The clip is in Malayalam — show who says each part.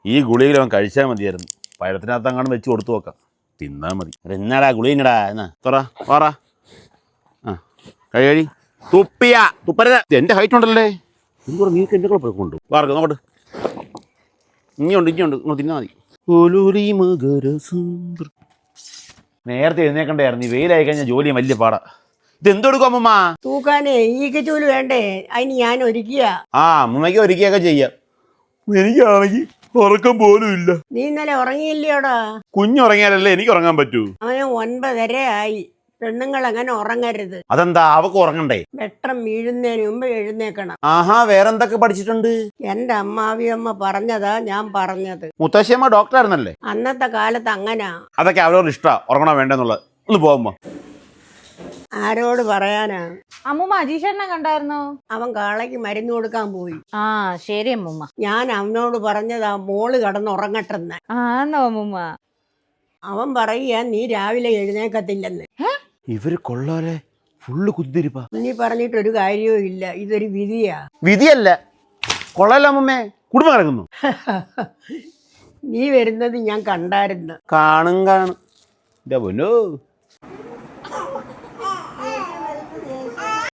Speaker 1: ഈ ഗുളികയിൽ അവൻ കഴിച്ചാൽ മതിയായിരുന്നു. പഴത്തിനകത്ത് അങ്ങാണ്ട് വെച്ച് കൊടുത്തു നോക്കാം, തിന്നാൽ മതി. എന്നാടാ ഗുളികടാ എന്നാ തുറ വാറ. ആ കഴി തുപ്പിയാ തുപ്പരുത്. എൻ്റെ ഹൈറ്റ് ഉണ്ടല്ലേ, എന്തോ നീക്ക് എൻ്റെ കൂടെ കൊണ്ടു വാർക്ക് നോക്കട്ടെ. ഇനിയുണ്ട് ഇങ്ങോട്ട് തിന്നാൽ മതി. നേരത്തെ എഴുന്നേക്കണ്ടായിരുന്നു, ഈ വെയിലായി കഴിഞ്ഞാൽ ജോലിയും വലിയ പാടാ. ഇതെന്തെടുക്കും അമ്മമ്മ?
Speaker 2: തൂക്കാനേ ഈക്കച്ചൂല് വേണ്ടേ, അതിന് ഞാൻ ഒരുക്കിയ.
Speaker 1: ആ അമ്മമ്മയ്ക്ക് ഒരുക്കിയൊക്കെ ചെയ്യാം. എനിക്കാണെങ്കിൽ ഉറക്കം പോലും ഇല്ല.
Speaker 2: നീ ഇന്നലെ ഉറങ്ങിയില്ലയോടാ?
Speaker 1: കുഞ്ഞുറങ്ങിയാലല്ലേ എനിക്ക് ഉറങ്ങാൻ പറ്റൂ.
Speaker 2: അവന് 9:30 ആയി. പെണ്ണുങ്ങൾ അങ്ങനെ ഉറങ്ങരുത്.
Speaker 1: അതെന്താ, അവക്ക് ഉറങ്ങണ്ടേ?
Speaker 2: വെട്ടം വീഴുന്നതിന് മുമ്പ് എഴുന്നേക്കണം.
Speaker 1: ആഹാ, വേറെന്തൊക്കെ പഠിച്ചിട്ടുണ്ട്?
Speaker 2: എന്റെ അമ്മാവിയമ്മ പറഞ്ഞതാ ഞാൻ പറഞ്ഞത്.
Speaker 1: മുത്തശ്ശിയമ്മ ഡോക്ടറായിരുന്നല്ലേ?
Speaker 2: അന്നത്തെ കാലത്ത് അങ്ങനാ.
Speaker 1: അതൊക്കെ അവരോട് ഇഷ്ടാ ഉറങ്ങണോ വേണ്ടെന്നുള്ളത്. ഒന്ന് പോകുമ്പോ
Speaker 2: ആരോട് പറയാനാ?
Speaker 3: അമ്മൂമ്മ അജീഷേട്ടനെ കണ്ടായിരുന്നോ?
Speaker 2: അവൻ കാളയ്ക്ക് മരുന്ന് കൊടുക്കാൻ പോയി.
Speaker 3: ആ ശരി അമ്മൂമ്മ.
Speaker 2: ഞാൻ അവനോട് പറഞ്ഞതാ മോള് കിടന്നുറങ്ങട്ടെന്ന്.
Speaker 3: ആന്നോ അമ്മൂമ്മ?
Speaker 2: അവൻ പറയുക നീ രാവിലെ എഴുന്നേക്കത്തില്ലെന്ന്.
Speaker 1: ഇവര് കൊള്ളാലെ, ഫുള്ള് കുത്തിരിപ്പാ.
Speaker 2: നീ പറഞ്ഞിട്ടൊരു കാര്യവും ഇല്ല, ഇതൊരു വിധിയാ.
Speaker 1: വിധിയല്ല, കൊള്ളാല അമ്മമ്മേ, കുടുംബം കിടക്കുന്നു.
Speaker 2: നീ വരുന്നത് ഞാൻ കണ്ടായിരുന്നു.
Speaker 1: കാണും. എന്റെ പൊന്നോ.